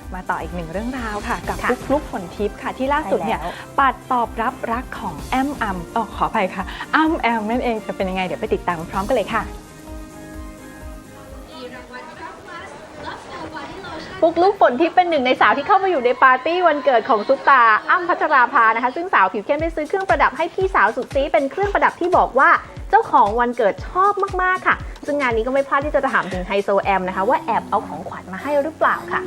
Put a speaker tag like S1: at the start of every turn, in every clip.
S1: มาต่ออีกหนึ่งเรื่องราวค่ะกับปุ๊กลุ๊กฝนทิพย์ค่ะที่ล่าสุดเนี่ยปัดตอบรับรักของแอมขออภัยค่ะอ้ำแอมนั่นเองจะเป็นยังไงเดี๋ยวไปติดตามพร้อมกันเลยค่ะ
S2: ปุ๊กลุ๊กฝนทิพย์เป็นหนึ่งในสาวที่เข้ามาอยู่ในปาร์ตี้วันเกิดของซุปตาอ้ำพัชราภานะคะซึ่งสาวผิวเข้มได้ซื้อเครื่องประดับให้พี่สาวสุดซีเป็นเครื่องประดับที่บอกว่าเจ้าของวันเกิดชอบมากๆค่ะซึ่งงานนี้ก็ไม่พลาดที่จะถามถึงไฮโซแอมนะคะว่าแอบเอาของขวัญมาให้หรือเปล่าค่ะ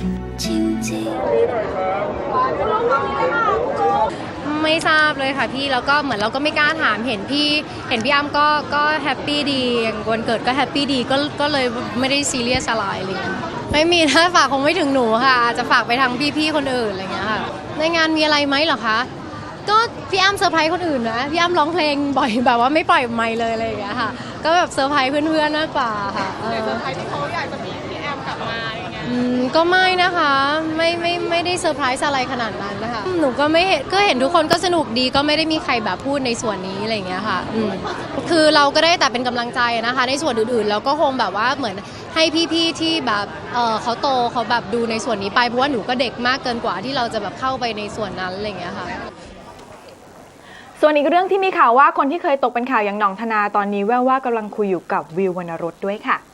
S3: ไม่ทราบเลยค่ะพี่แล้วก็เหมือนเราก็ไม่กล้าถามเห็นพี่อ้ำก็แฮปปี้ดีวันเกิดก็แฮปปี้ดีก็เลยไม่ได้ซีเรียสอะไรเลยไม่มีถ้าฝากคงไม่ถึงหนูค่ะอาจจะฝากไปทางพี่ๆคนอื่นอะไรเงี้ยค่ะในงานมีอะไรไหมเหรอคะก็พี่อ้ำเซอร์ไพรส์คนอื่นนะพี่อ้ำร้องเพลงบ่อยแบบว่าไม่ปล่อยไมค์เลยอะไรอย่างเงี้ยค่ะก็แบบเซอร์ไพรส์เพื่อนๆมากกว่าค่ะเซอร์ไพรส์ที่เขาอยากจะมีพี่แอมกลับมาอะไรเงี้ยก็ไม่นะคะไม่ได้เซอร์ไพรส์อะไรขนาดนั้นนะคะหนูก็ไม่เห็นก็เห็นทุกคนก็สนุกดีก็ไม่ได้มีใครแบบพูดในส่วนนี้อะไรอย่างเงี้ยค่ะคือเราก็ได้แต่เป็นกำลังใจนะคะในส่วนอื่นๆเราก็คงแบบว่าเหมือนให้พี่ๆที่แบบเขาโตเขาแบบดูในส่วนนี้ไปเพราะว่าหนูก็เด็กมากเกินกว่าที่เราจะแบบเข้าไปในส่วนนั้นอะไรอย่างเงี้ยค่ะ
S1: ส่วนอีกเรื่องที่มีข่าวว่าคนที่เคยตกเป็นข่าวอย่างหน่องธนาตอนนี้แว่วว่ากำลังคุยอยู่กับวิววรรณรสด้วยค่ะ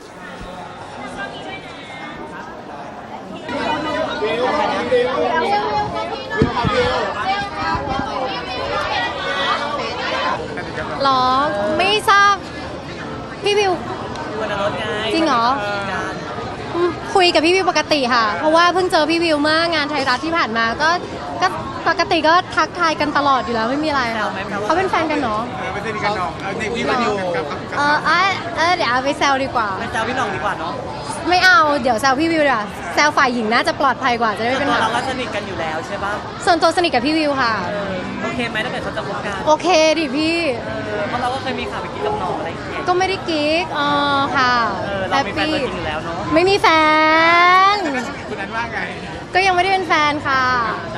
S3: หรอไม่ทราบพี่วิวจริงเหรอคุยกับพี่วิวปกติค่ะเพราะว่าเพิ่งเจอพี่วิวเมื่องานไทยรัฐที่ผ่านมาก็ปกติก็ทักทายกันตลอดอยู่แล้วไม่มีอะไรค่ะเขาเป็นแฟนกันเนาะ
S4: ไม่ใช่กันน้องนี่พี่มาดิวกับ
S3: เดี๋ยวเอาไปแซวดีกว่า
S5: ไปแซวพี่น้องดีกว่าเนาะ
S3: ไม่เอาเดี๋ยวแซวพี่วิวดีกว่าแซวฝ่ายหญิงน่าจะปลอดภัยกว่าจะได้ไม่เป็นปัญหา
S5: เราก็สนิทกันอยู่แล้วใช่ปะ
S3: ส่วนตัวสนิทกับพี่วิวค่ะ
S5: โอเคไหมถ้าเกิดเขาจะคบกัน
S3: โอเคดิพี่
S5: เพราะเราก็เคยมีข่าวไปกิ๊กกับน้องอะไรอย่างเงี้ย
S3: ก็ไม่ได้กิ๊กค่ะ
S5: เรามีแฟนตัวจริงอยู่แล้วเนาะ
S3: ไม่มีแฟน
S4: คุณนั้นว่าไง
S3: ก็ยังไม่ได้เป็นแฟนค่ะ